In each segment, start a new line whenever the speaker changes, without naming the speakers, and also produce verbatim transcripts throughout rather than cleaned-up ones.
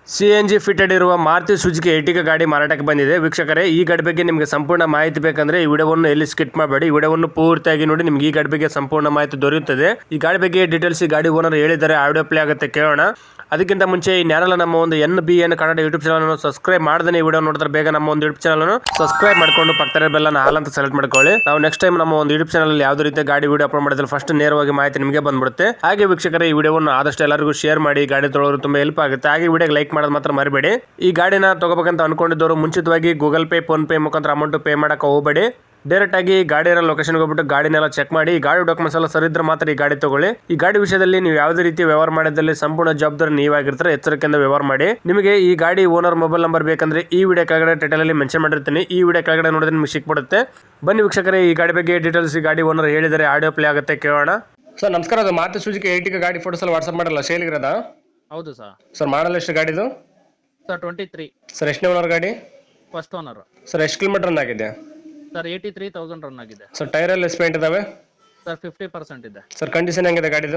C N G fitted ಇರುವ Maruti Suzuki Ertiga ಗಾಡಿ ಮಾರಾಟಕ್ಕೆ ಬಂದಿದೆ. ವೀಕ್ಷಕರೇ, ಈ ಗಾಡಿ ಬಗ್ಗೆ ನಿಮಗೆ ಸಂಪೂರ್ಣ ಮಾಹಿತಿ ಬೇಕಂದ್ರೆ ಈ ವಿಡಿಯೋವನ್ನು ಎಲ್ಲಿ ಸ್ಕಿಪ್ ಮಾಡಬೇಡಿ, ಈ ವಿಡಿಯೋವನ್ನು ಪೂರ್ತಿಯಾಗಿ ನೋಡಿ. ನಿಮಗೆ ಈ ಗಾಡಿ ಬಗ್ಗೆ ಸಂಪೂರ್ಣ ಮಾಹಿತಿ ದೊರೆಯುತ್ತದೆ. ಈ ಗಾಡಿ ಬಗ್ಗೆ ಡೀಟೇಲ್ಸ್ ಈ ಗಾಡಿ ಓನರ್ ಹೇಳಿದ್ದಾರೆ, ಆಡಿಯೋ ಪ್ಲೇ ಆಗುತ್ತೆ, ಕೇಳೋಣ. ಅದಕ್ಕಿಂತ ಮುಂಚೆ ಈ ನ್ಯಾರಲ್ಲ ನಮ್ಮ ಒಂದು N B N Kannada YouTube channel subscribe ಮಾಡದೇ ಈ ವಿಡಿಯೋ ನೋಡಿದ್ರೆ ಬೇಗ ನಮ್ಮ ಒಂದು ಯೂಟ್ಯೂಬ್ ಚಾನಲ್ ಸಬ್ಸ್ಕ್ರೈಬ್ ಮಾಡ್ಕೊಂಡು ಪಕ್ಕದ ಬೆಲ್ಲನ ಹಾಲ್ ಅಂತ ಸೆಲೆಕ್ಟ್ ಮಾಡ್ಕೊಳ್ಳಿ. ನಾವು ನೆಕ್ಸ್ಟ್ ಟೈಮ್ ನಮ್ಮ ಒಂದು ಯೂಟ್ಯೂಬ್ ಚಾನಲ್ ಯಾವುದೇ ರೀತಿ ಗಾಡಿ ವಿಡಿಯೋ ಅಪ್ಲೋಡ್ ಮಾಡಿದ್ರೆ ಫಸ್ಟ್ ನೇರವಾಗಿ ಮಾಹಿತಿ ನಿಮಗೆ ಬಂದ್ಬಿಡುತ್ತೆ. ಹಾಗೆ ವೀಕ್ಷಕರೇ, ಈ ವಿಡಿಯೋವನ್ನು ಆದಷ್ಟು ಎಲ್ಲರಿಗೂ ಶೇರ್ ಮಾಡಿ, ಗಾಡಿ ತೊಗೊಳ್ಳೋರು ತುಂಬಾ ಹೆಲ್ಪ್ ಆಗುತ್ತೆ. ಹಾಗೆ ವಿಡಿಯೋಗೆ ಲೈಕ್ ಮಾಡೋದು ಮಾತ್ರ ಮರಿಬೇಡಿ. ಈ ಗಾಡಿನ ತಗೋಬೇಕಂತ ಅನ್ಕೊಂಡಿದ್ದವರು ಮುಂಚಿತವಾಗಿ ಗೂಗಲ್ ಪೇ, ಫೋನ್ ಪೇ ಮುಖಾಂತರ ಅಮೌಂಟ್ ಪೇ ಮಾಡಕ್ಕೆ ಹೋಗಬೇಡಿ. ಡೈರೆಕ್ಟ್ ಆಗಿ ಗಾಡಿ ಇರೋ ಲೊಕೇಶನ್ಗೆ ಹೋಗ್ಬಿಟ್ಟು ಗಾಡಿನೆಲ್ಲ ಚೆಕ್ ಮಾಡಿ, ಈ ಗಾಡಿ ಡಾಕ್ಯುಮೆಂಟ್ಸ್ ಎಲ್ಲ ಸರಿ ಇದ್ರೆ ಮಾತ್ರ ಈ ಗಾಡಿ ತಗೊಳ್ಳಿ. ಈ ಗಾಡಿ ವಿಷಯದಲ್ಲಿ ನೀವು ಯಾವುದೇ ರೀತಿ ವ್ಯವಹಾರ ಮಾಡಿದಲ್ಲಿ ಸಂಪೂರ್ಣ ಜವಾಬ್ದಾರಿ ನೀವಾಗಿರ್ತಾರೆ, ಎಚ್ಚರಿಕೆಯಿಂದ ವ್ಯವಹಾರ ಮಾಡಿ. ನಿಮಗೆ ಈ ಗಾಡಿ ಓನರ್ ಮೊಬೈಲ್ ನಂಬರ್ ಬೇಕಂದ್ರೆ ಈ ವಿಡಿಯೋ ಕೆಳಗಡೆ ಟೈಟಲ್ ಅಲ್ಲಿ ಮೆನ್ಷನ್ ಮಾಡಿರ್ತೀನಿ, ಈ ವಿಡಿಯೋ ಕೆಳಗಡೆ ನೋಡಿದ್ರೆ ನಿಮಗೆ ಸಿಕ್ಬಿಡುತ್ತೆ. ಬನ್ನಿ ವೀಕ್ಷಕರೇ, ಈ ಗಾಡಿ ಬಗ್ಗೆ ಡೀಟೇಲ್ಸ್ ಈ ಗಾಡಿ ಓನರ್ ಹೇಳಿದರೆ ಆಡಿಯೋ ಪ್ಲೇ ಆಗುತ್ತೆ, ಕೇಳೋಣ. ಸರ್ ನಮಸ್ಕಾರ, ಅದು ಮಾರುತಿ ಸುಜುಕಿ ಎರ್ಟಿಗಾ ಗಾಡಿ ಫೋಟೋಸ್ ಎಲ್ಲ ವಾಟ್ಸ್ಆಪ್ ಮಾಡಲ್ಲ, ಸೇಲ್ ಇರೋದಾ?
ಹೌದು ಸರ್.
ಸರ್ ಮಾಡಲ್ ಎಷ್ಟು ಗಾಡಿದು?
Sir twenty three.
ಸರ್ ಎಷ್ಟನೇ ಓನರ್ ಗಾಡಿ?
First owner.
ಸರ್ ಎಷ್ಟು ಕಿಲೋಮೀಟರ್ ರನ್ ಆಗಿದೆ?
Sir eighty three thousand run ಆಗಿದೆ.
ಸರ್ ಟೈರ್ ಎಲ್ಲ ಎಷ್ಟು ಪೇಂಟ್ ಇದಾವೆ?
ಸರ್ ಫಿಫ್ಟಿ ಪರ್ಸೆಂಟ್ ಇದೆ.
ಸರ್ ಕಂಡೀಷನ್ ಹೆಂಗಿದೆ ಗಾಡಿದು?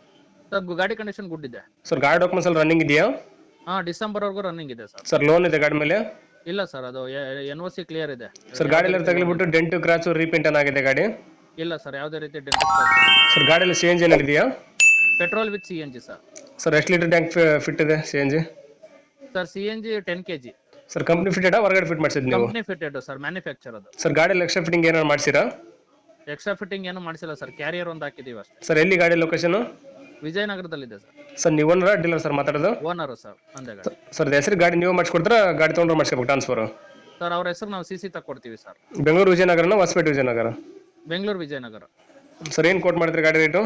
ಸರ್ ಗಾಡಿ ಕಂಡೀಷನ್ ಗುಡ್ ಇದೆ.
ಸರ್ ಗಾಡಿ ಡಾಕ್ಯುಮೆಂಟ್ಸ್ ಎಲ್ಲ ರನ್ನಿಂಗ್ ಇದೆಯಾ?
ಹಾ, ಡಿಸೆಂಬರ್ ವರೆಗೂ ರನ್ನಿಂಗ್ ಇದೆ ಸರ್.
ಸರ್ ಲೋನ್ ಇದೆ ಗಾಡಿ ಮೇಲೆ?
ಇಲ್ಲ ಸರ್, ಅದು ಎನ್ ಒ ಸಿ ಕ್ಲಿಯರ್ ಇದೆ.
ಸರ್ ಗಾಡಿ ಎಲ್ಲ ತಗಲಿಬಿಟ್ಟು ಡೆಂಟು ಕ್ರಾಚು ರೀಪೇಂಟ್ ಆಗಿದೆ ಗಾಡಿ?
ಇಲ್ಲ ಸರ್, ಯಾವುದೇ ರೀತಿ ಡೆಂಟ್.
ಸರ್ ಗಾಡಿಯಲ್ಲಿ ಸಿ ಎನ್ ಜಿ ಏನಿದೆಯಾ?
Petrol with C N G sir.
Sir ಎಷ್ಟು ಲೀಟರ್ ಟ್ಯಾಂಕ್ ಫಿಟ್ ಇದೆ C N G?
Sir C N G ten K G.
Sir company fitted ಹೊರಗಡೆ ಫಿಟ್ ಮಾಡಿಸಿದ್ ನೀವು?
ಕಂಪ್ನಿ ಫಿಟೆಡ್ ಸರ್, ಮ್ಯಾನುಫ್ಯಾಕ್ಚರ್ ಅದು.
Sir ಗಾಡಿಯಲ್ಲಿ extra fitting ಏನಾದ್ರು ಮಾಡಿಸಿರಾ?
Extra fitting ಏನು ಮಾಡಿಸಿಲ್ಲ ಸರ್, ಕ್ಯಾರಿಯರ್ ಒಂದು ಹಾಕಿದೀವಿ ಅಷ್ಟೇ.
ಸರ್ ಎಲ್ಲಿ ಗಾಡಿ ಲೊಕೇಶನ್?
ವಿಜಯನಗರದಲ್ಲಿದೆ ಸರ್.
ಸರ್ ನೀವು ಓನರ್ ಡೀಲರ್ ಸರ್ ಮಾತಾಡೋದು?
ಓನರ್ ಸರ್, ಒಂದೇ ಗಾಡಿ.
ಸರ್ ಹೆಸರು ಗಾಡಿ ನೀವು ಮಾಡಿಸ್ಕೊಡ್ತಾರ ಗಾಡಿ ತೊಗೊಂಡ್ರೆ ಮಾಡಿಸ್ಕೋಬೇಕು ಟ್ರಾನ್ಸ್ಫರ್?
ಸರ್ ಅವ್ರ ಹೆಸರು ನಾವು ಸಿ ಸಿ ತಗೊಡ್ತೀವಿ ಸರ್.
ಬೆಂಗಳೂರು ವಿಜಯನಗರನ ಹೊಸಪೇಟೆ ವಿಜಯನಗರ?
ಬೆಂಗಳೂರು ವಿಜಯನಗರ.
ಸರ್ ಏನು ಕೋಟ್ ಮಾಡಿದ್ರಿ ಗಾಡಿ ರೇಟು?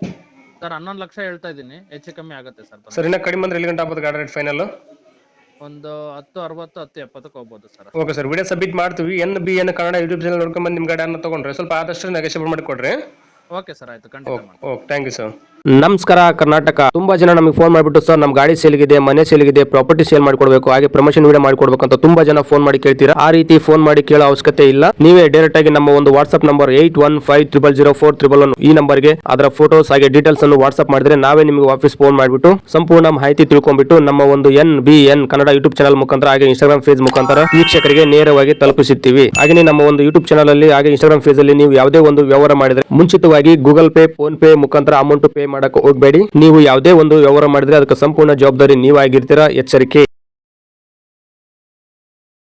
ಸರ್ ಹನ್ನೊಂದು ಲಕ್ಷ ಹೇಳ್ತಾ ಇದ್ದೀನಿ, ಹೆಚ್ಚು ಕಮ್ಮಿ ಆಗುತ್ತೆ ಸರ್.
ಸರ್ ಇನ್ನ ಕಡಿಮೆ ಅಂದ್ರೆ ಎಲ್ಲಿ ಗಂಟೆ ಆಗ್ಬೋದು ಗಾಡಿ ರೇಟ್ ಫೈನಲ್?
ಒಂದು ಹತ್ತು ಅರವತ್ತು ಹತ್ತು ಎಪ್ಪತ್ತಕ್ಕೆ ಹೋಗ್ಬೋದು ಸರ್.
ಓಕೆ ಸರ್, ವಿಡಿಯೋ ಸಬ್ಮಿಟ್ ಮಾಡ್ತೀವಿ. N B N Kannada YouTube channel ನೋಡ್ಕೊಂಡು ಬಂದು ನಿಮ್ಮ ಗಾಡಿಯನ್ನು ತೊಗೊಂಡ್ರೆ ಸ್ವಲ್ಪ ಆದಷ್ಟು ನೆಗೋಷಿಯೇಟ್ ಮಾಡಿ ಕೊಡ್ರಿ.
ಓಕೆ ಸರ್, ಆಯ್ತು, ಖಂಡಿತ ಮಾಡಿ.
Okay, thank you sir.
ನಮಸ್ಕಾರ ಕರ್ನಾಟಕ. ತುಂಬಾ ಜನ ನಮಗೆ ಫೋನ್ ಮಾಡಿಬಿಟ್ಟು ಸರ್ ನಮ್ಮ ಗಾಡಿ ಸೇಲ್ಗಿದೆ, ಮನೆ ಸೇಲ್ಗಿದೆ, ಪ್ರಾಪರ್ಟಿ ಸೇಲ್ ಮಾಡ್ಕೊಡ್ಬೇಕು, ಹಾಗೆ ಪ್ರಮೋಷನ್ ವಿಡಿಯೋ ಮಾಡ್ಕೊಡ್ಬೇಕು ಅಂತ ತುಂಬಾ ಜನ ಫೋನ್ ಮಾಡಿ ಕೇಳ್ತೀರಾ. ಆ ರೀತಿ ಫೋನ್ ಮಾಡಿ ಕೇಳೋ ಅವಶ್ಯಕತೆ ಇಲ್ಲ. ನೀವೇ ಡೈರೆಕ್ಟ್ ಆಗಿ ನಮ್ಮ ಒಂದು WhatsApp number eight one five triple zero four triple one ಈ ನಂಬರ್ಗೆ ಅದರ ಫೋಟೋಸ್ ಹಾಗೆ ಡೀಟೇಲ್ಸ್ ಅನ್ನು ವಾಟ್ಸ್ಆಪ್ ಮಾಡಿದ್ರೆ ನಾವೇ ನಿಮಗೆ ವಾಪಸ್ ಫೋನ್ ಮಾಡಿಬಿಟ್ಟು ಸಂಪೂರ್ಣ ಮಾಹಿತಿ ತಿಳ್ಕೊಂಡ್ಬಿಟ್ಟು ನಮ್ಮ ಒಂದು N B N Kannada YouTube channel ಮುಖಾಂತರ ಹಾಗೆ ಇನ್ಸ್ಟಾಗ್ರಾಮ್ ಪೇಜ್ ಮುಖಾಂತರ ವೀಕ್ಷಕರಿಗೆ ನೇರವಾಗಿ ತಲುಪಿಸುತ್ತೀವಿ. ಹಾಗೆ ನಮ್ಮ ಒಂದು ಯೂಟ್ಯೂಬ್ ಚಾನಲ್ ಅಲ್ಲಿ ಹಾಗೆ ಇನ್ಸ್ಟಾಗ್ರಾಮ್ ಪೇಜ್ ಅಲ್ಲಿ ನೀವು ಯಾವುದೇ ಒಂದು ವ್ಯವಹಾರ ಮಾಡಿದ್ರೆ ಮುಂಚಿತವಾಗಿ ಗೂಗಲ್ ಪೇ, ಫೋನ್ ಪೇ ಮುಖಾಂತರ ಅಮೌಂಟ್ ಪೇ ಮಾಡಕ್ಕೆ ಹೋಗಬೇಡಿ. ನೀವು ಯಾವುದೇ ಒಂದು ವ್ಯವಹಾರ ಮಾಡಿದ್ರೆ ಅದಕ್ಕೆ ಸಂಪೂರ್ಣ ಜವಾಬ್ದಾರಿ ನೀವಾಗಿರ್ತೀರಾ, ಎಚ್ಚರಿಕೆ.